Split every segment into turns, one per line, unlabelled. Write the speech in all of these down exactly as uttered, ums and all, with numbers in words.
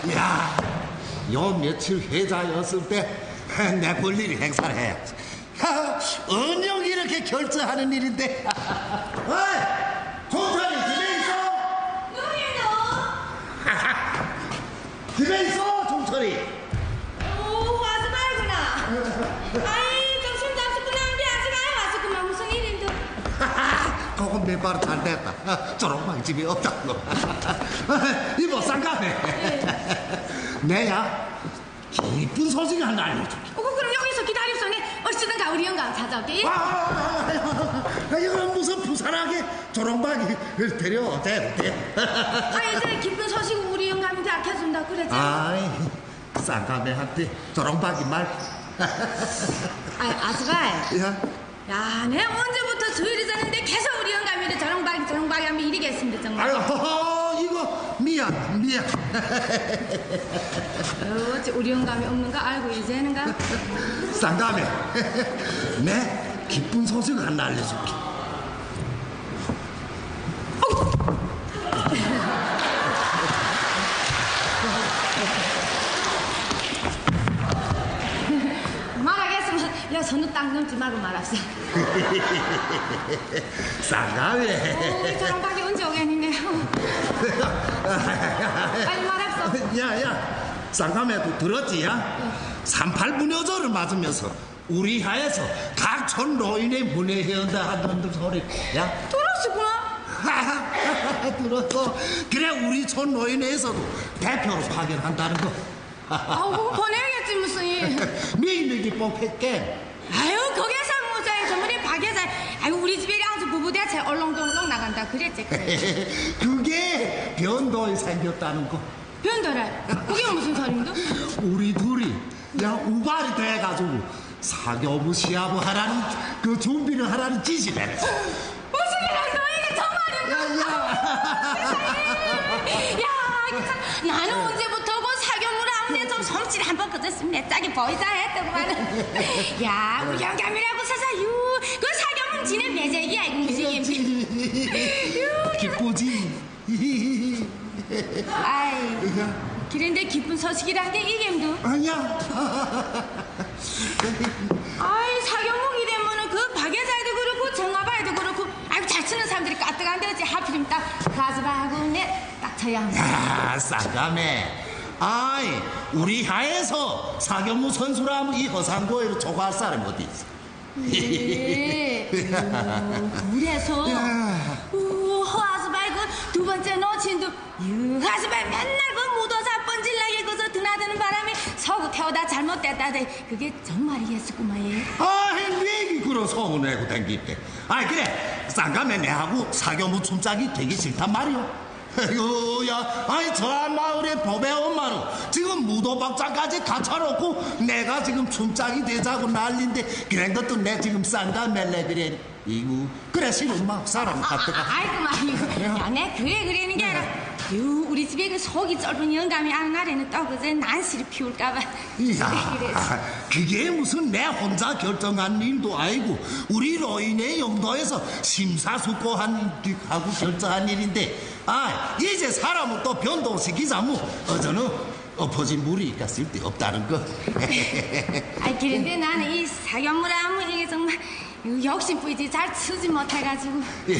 야, 요 며칠 회자였을 때 내 볼일이 행사를 해야지. 은영 이렇게 결제하는 일인데. 어이, 종철이 집에 있어?
누구예요?
집에 있어, 종철이.
오, 와서 말구나. 아이, 점심 잡수고 나는데 아직 안 왔었구만. 무슨 일인데?
그건 내 말은 잘 됐다. 저런방 집에 없다고. 이모, 쌍가네. 내야 기쁜 소식 하나 알려줄게.
어, 그럼 여기서 기다립소니 얼씨든가 우리 영감 찾아올게.
아, 아, 아, 아, 이건 무슨 부산하게 조롱박이 데려오대.
아이, 저 기쁜 소식 우리 영감한테 아껴준다 그러지.
아이, 쌍가매한테 조롱박이 말.
아이, 아스발.
야,
야, 내 언제부터 수요일이 졌는데 계속 우리 영감이를 저롱박이 저롱박이 하면 이리겠습니다 정말.
아유, 허허, 이거 미안, 미안.
어찌 우리 영감이 없는 거 알고 이제는가?
쌍가매, 내 기쁜 소식 하나 알려줄게.
말하겠으면 야 손을 딱 넘지 말고 말합시다.
쌍가매.
오, 저런 박이 언제 오겠니네. 빨리 말합시다.
야야, 쌍가매도 들었지? 야? 삼팔 문여조를 맞으면서 우리 하에서 각촌 노인의 문예회원다 하는 소리. 야,
들었구나.
들었어. 그래, 우리 촌 노인회에서도 대표로 파견한다는 거.
아우, 보내야겠지 무슨 일.
미인들이 뽑혔게.
아유, 거기서 모자에 전문이 박여자. 아유, 우리 집에 아주 부부대체 얼렁덜렁 나간다 그랬지.
그게 변동이 생겼다는 거.
변더라. 그게 무슨 소린데?
우리 둘이 야 우발이 돼가지고 사교부 시합을 하라는 그 준비를 하라는 지시를 했어.
무슨 일이야, 너 이게 정말이야?
야야.
야, 나는 언제부터 그 사교물 아무데 좀 솜씨를 한번 거뒀으면 내 짝이 보이자 했더구만은. 야, 우리 영감이라고 서서 유, 그 사교물 지는 매제기야 이거 무슨
기쁘지?
아이, 그런데 기쁜 소식이란 게 이게 뭐?
아니야.
아이, 사교물 이래면은 그 박여자도 그렇고 정화바에도 그렇고 아이고 잘 치는 사람들이 까뜩한데 어찌 하필이면 딱 가즈바하고 내딱 쳐야 합니다.
야, 쌍가매. 아이, 우리 하에서 사교무 선수라면 이 허상고에로 조과할 사람이 어디 있어?
예. 오, 그래서 오, 허아스바이 그두 번째 놓친도 유하스바이 맨날 그 무도사 번질나게 그저 드나드는 바람에 서구 태우다 잘못됐다대. 그게 정말이겠었구만. 예.
아이, 왜 그런 소문 내고 댕길때. 아이, 그래, 쌍가매 내하고 사교무 춤짝이 되기 싫단 말이오. 아이고, 야, 아이, 저 마을의 법의 엄마는 지금 무도박자까지 갖춰놓고 내가 지금 춤짝이 되자고 난린데 그런 것도 내 지금 쌍가매래 그래. 이구, 그래, 싫은 마 사람 같다가.
아, 아이고 말이고. 야, 내 그래 그러는 게 아니라 유, 우리 집에 그 속이 좁은 영감이 아는 날에는 또 그저 난시를 피울까봐.
이야, 그게 무슨 내 혼자 결정한 일도 아니고 우리 노인의 영도에서 심사숙고한 하고 결정한 일인데, 아, 이제 사람을 또 변동시키자면 어저는 엎어진 물이 있까 쓸데없다는 거.
아이, 그런데 나는 이 사견물 하면 이게 정말 욕심 뿌이지 잘 치지 못해가지고.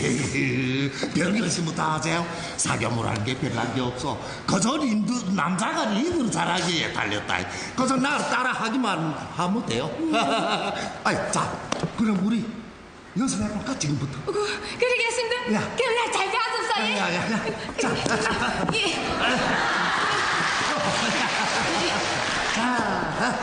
별것이 다 하세요. 사교물하는 게 별난 게 없어. 그저 인도 남자가 리드를 잘하기에 달렸다. 그저 나를 따라하기만 하면 돼요. 아이, 자, 그럼 우리 연습해볼까 지금부터?
어, 그러겠습니다.
야.
그럼 나 잘 배웠었어. 예.
야, 야, 야. 자, 자, 자.
예.
자,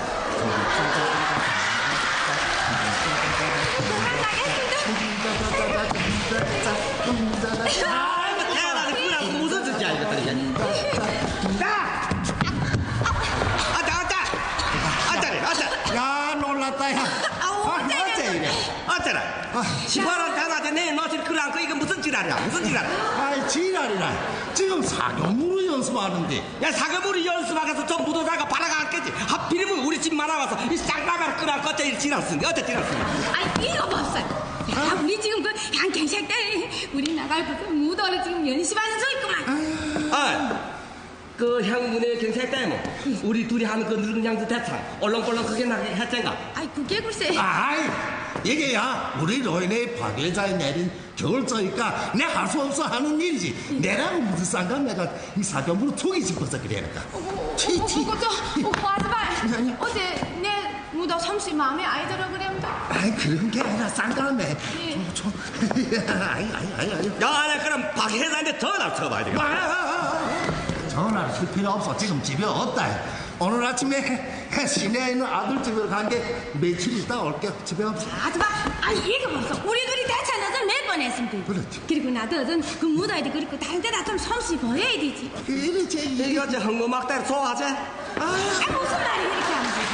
아, 이거 대단하다. 그거라고 무슨 뜻이야, 이것들이. 나! 아따, 아따! 아따래, 아따!
야, 놀랐다, 야.
아우,
아, 어째 이래?
아따라! 시발한 대낮에 내 너질 그래 안고 이거 무슨 지랄이야, 무슨 지랄?
아이, 지랄이라. 지금 사교물을 연습하는데.
야, 사과물이 연습하면서 저 무도사가 바라가겠지. 하필이면 우리 집만 와서 이 쌍가마를 끄라고 어째 이 지랄 쓰니, 어째 지랄 쓰니.
아이, 이거 봤어요. 야, 우리 지금 그 양갱색 때 우리 나갈 그 무도를 지금 연습하는 중 있구만.
아, 그 향문의 경찰 때문에 우리 둘이 하는 그 늙은 양주 대창 얼렁벌렁 크게 나게 했잖아.
아이 그게 글쎄.
아이 이게야 우리 로인의 박예자에 내린 결정이니까 내 할 수 없어 하는 일이지. 내랑 무슨 상관 내가 이 사경부로 툭이 짚어서 그래니까. 티티.
그거 저 화즈발 어제 내 무더 삼십 마음에 아이 들어 그랬다.
아이 그런 게 아니라 쌍감에 좀 아이 아이 아이 아이
야, 나 그럼 박 회장한테 전화 쳐봐야 되겠다.
아, 전화를 칠 필요 없어. 지금 집에 없다. 오늘 아침에 시내에 있는 아들 집으로 간 게 며칠 있다 올게. 집에 없어.
화즈발 아니 이게 벌써 우리 둘이 대차너전 몇 번 했으면 돼.
그렇지.
그리고 나도 어전 그 무더위도 그렇고 다른 데다 좀 솜씨 보여야 되지.
그렇지.
이거 저 흥거막대로 좋아하지?
아 무슨 말이 이렇게 하는 거지.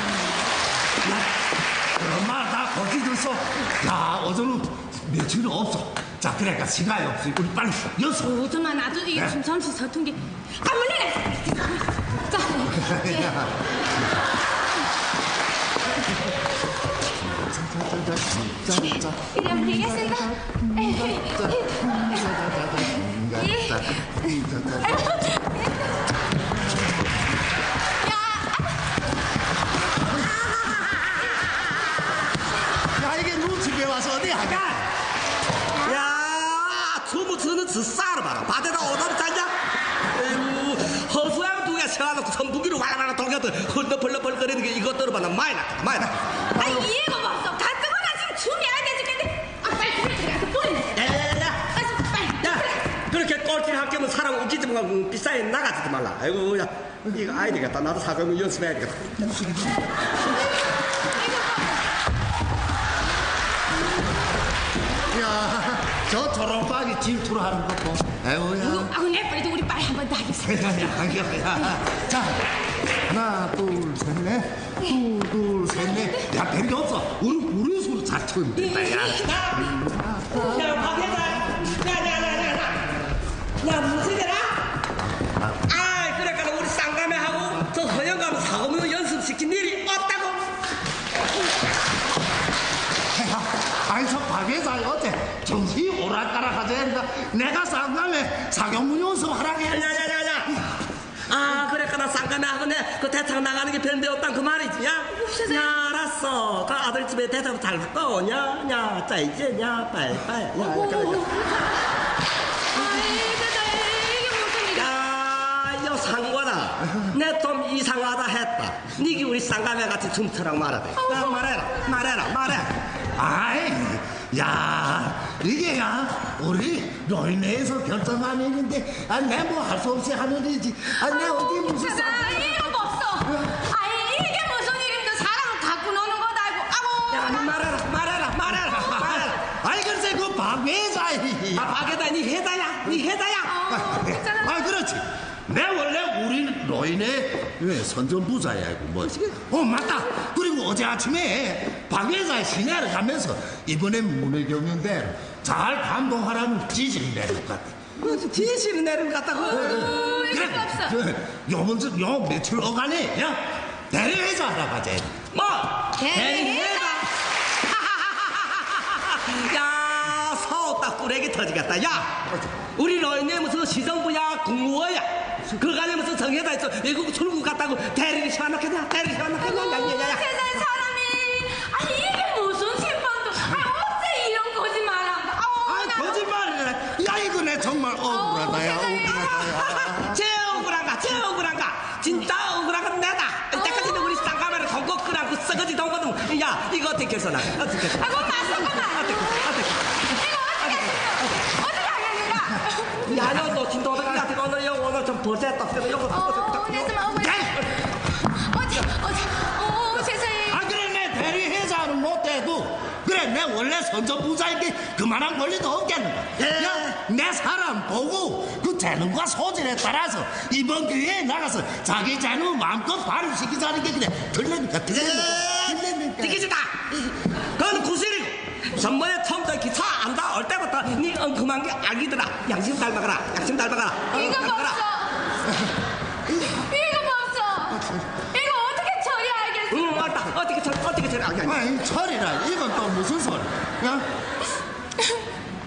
그런 말 다 거짓했어. 야 어제는 며칠 없어. 자 그러니까 시간이 없어. 우리 빨리 여서.
오줌만 놔도 이게
네.
좀 솜씨 서툰 게. 아 물러내. 자. 예. 이러면 되겠습니다.
야 이게 누 집에 와서 어디 하냐?
야, 주무 주는 지 싸러 봐라. 밭에다 오다리 짰냐? 에이구, 허수양 두개 세워놓고 선풍기로 와라와라 돌려도 헐떡벌떡벌거리는 게 이것들을 봐나 많이 났다, 많이 났다.
아니 이해가 없어. 가뜩거나 지금 춤이 안 돼 죽겠는데. 아 빨리 집에 들어가서 보내.
야야야야!
아 빨리.
야, 그렇게 꼴찌를 할 거면 사람 웃기지 말고 비싸게 나가지도 말라. 아이고, 야, 이거 아이 되겠다. 나도 사과문 연습해야 되겠다.
야, 저 초록박이 질투를 하는 것도. 아이고야.
아우 내 빨리 우리 빨리 한번 더 하겠습니다.
야, 야, 야. 자, 하나, 둘, 셋, 넷. 둘, 둘, 셋, 넷. 야, 별게 없어. 우리 우리 서로 잘 치면 된다, 야.
야, 박 회장! 야, 야, 야, 야, 야! 야, 무슨 일이야? 아, 그러니까 우리 쌍감회하고 저 허영감 사고문 연습시킨 일이 없다고?
아니, 저 박회사 어째 정신이 오락가락하지? 그러니까 내가 쌍감에 사경문 연습하라고
야,
해.
야, 야, 야! 아, 그러니까 나 쌍감회하고 내 그 대창 나가는 게 별데 없단 그 말이지, 야? 야, 알았어. 그 아들 집에 대창 잘 갔다 오냐? 야, 자, 이제, 야, 빨리빨리. 야, 그래, 그래.
이게 무슨 일이야?
야, 여 상관아, 내 좀 이상하다 했다. 니기 우리 쌍감회 같이 춤추랑 말하대. 야, 말해라, 말해라, 말해.
아이, 야, 이게 야, 우리 로이네에서 결정한 일인데, 아, 내 뭐 할 수 없이 하는 일이지. 아, 내 어디 무슨 쌍.
아 이유가 없어. 아니 이게 무슨 일인데 사람을 갖고 노는 거다 이거. 아고.
야, 니 말해라, 말해라, 말해라, 말해라.
아이, 글쎄, 그 박회사이.
아, 박에다 니 해다야, 니 해다야.
어, 괜찮아.
아, 그렇지. 내 원래 우리 로인의 왜 선전부자야 이거 뭐. 어 맞다. 그리고 어제 아침에 박회사 시내를 가면서 이번엔 문해경연대로 잘 감동하라는 지시를 내린 것 같아.
그 지시를 내린 것 같다고.
어, 이유가 없어.
그래, 요번 주, 요 며칠 어간에 야 대리회사 하러 가자.
뭐?
대리회사?
야, 서우 딱 꾸레기 터지겠다. 야, 우리 너희네 무슨 시정부야, 국무원야. 그간에 무슨 정해다 있어. 외국 출국 갔다고 대리를 시원하겠냐? 대리를 시원하겠냐? 야야야야.
세상 사람이 아니 이게 무슨 신방도 아 어째 이런 거짓말한다.
아이 거짓말이래. 야 이거 내 정말 억울하다 야 억울하다 야.
제 억울한가? 제 억울한가? 진짜 억울한 건 내다. 이때까지는 우리 쌍가마를 don고 끄라고 썩어지 don거든. 야, 이거 어떻게 해서나? 어떻게 해서?
아 그건 맞서구나.
어떻게 어떻게?
이거 어떻게 했어? 어떻게 하겠는가?
야, 너, 너 진짜 어떻게 같은 오늘 여 오늘 좀 버텼다. 그래서 요거
어, 내 좀 억울해. 어제 어제 어 세상에.
아 그래 내 대리회사는 못해도 그래 내 원래 선전부자인데 그만한 권리도 없겠는가.
예.
야내 사람 보고 그 재능과 소질에 따라서 이번 기회에 나가서 자기 재능 마음껏 발휘시키자는 게 그래 들립니까 들립니까 들립니까.
티키지다. 그건 구실이고. 전번에 처음부터 기차 안다 올 때부터 네 엉큼한 게 악이더라. 양심 닮아가라. 양심 닮아가라.
이거
닮아가라.
없어. 이거 없어. 이거 어떻게 처리하겠어?
응, 맞다. 어떻게 처리, 어떻게 처리. 아니, 아니.
아이 철이라 이건 또 무슨 소리 야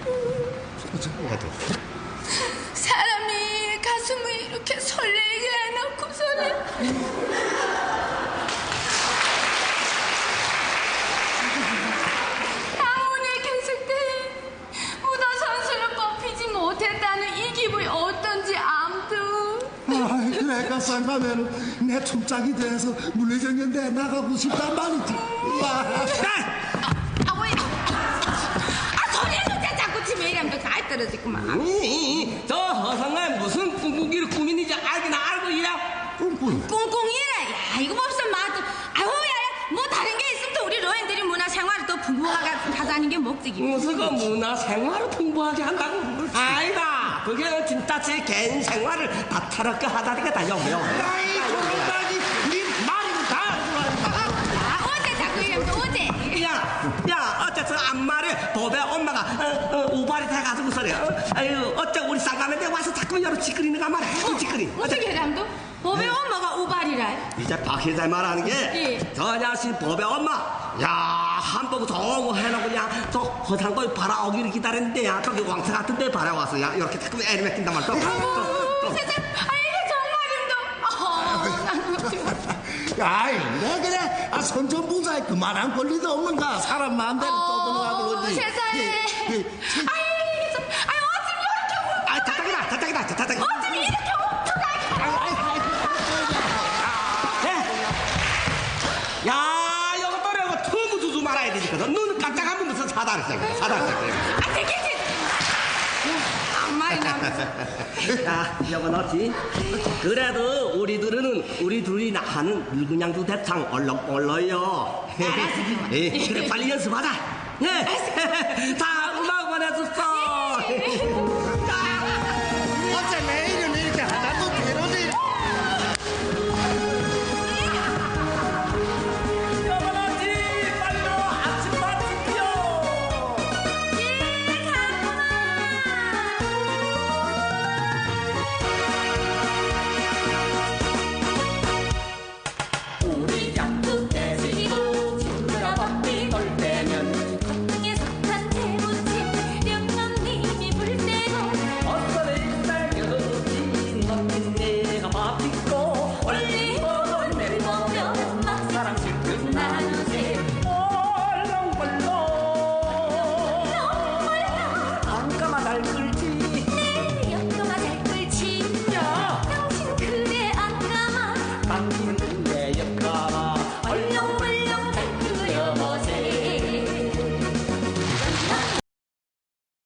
사람이 가슴을 이렇게 설레게 하나?
아이 그러니까 쌍가면은 내 춤짝이 돼서 물리정연 내 나가고 싶단 말이지. 와.
아 뭐야? 아 소리는 제 자꾸 치면 이러면 또 잘 떨어지구만.
아니 저 허상은 무슨 꿍꿍이를 꾸미는지 알긴 알고 이래.
꿍꿍.
꿍꿍이래. 야 이거 봅시다 맞아. 아유 야야 뭐 다른 게 있으면 또 우리 노인들이 문화 생활을 또 풍부하게 하자는 게 목적이고.
무슨 그 문화 생활을 풍부하게 한다고. 아니다. 그게 진짜 제 개인 생활을 다 타락게 하다니까 다 영요.
아이 조금까지 네 말이 다
아 어제 자꾸 이러면 또 어제.
야, 야, 어째 저 안마를 법에 엄마가 어, 어, 우발이 돼가지고 소리. 어? 아유, 어째 우리 쌍가면대 와서 자꾸 여러 짓거리는가 말이야. 어, 짓거리.
어떻게 해람도? 법의 엄마가 우발이라.
이제 박 회장 말하는 게
예.
저 자식 법의 엄마. 야, 한복 저거 해놓고 그냥 저 허상거리 바라오기를 기다렸는데 야, 저기 왕창 같은 데 바라와서 야, 이렇게 자꾸 애를 맡긴단 말이야. 또, 또,
어,
또.
세상, 아 이게 정말인데. 어, 나는 어떻게.
아이 내 그래 아 선전부자에 그만한 권리도 없는가 사람 마음대로 떠들어가고
어,
그러지.
세상에.
예, 예, 참.
아이 이게 좀, 아이 어쩜 이렇게.
아, 자tak이다, 자tak이다, 자tak이다.
어쩜 이렇게
예. 야, 이거 또래고 틈을 주지 말아야 되니거든. 눈 깜짝하면 무슨 사다를 써요. 사다를 써요.
아 되겠지. 안 말이 나면서.
야, 여보 너지? 그래도 우리들은 우리 둘이 하는 늙은양도 대창 얼렁얼렁요. 예, 그래 빨리 연습하자. 예. 자, 음악 보내줬어.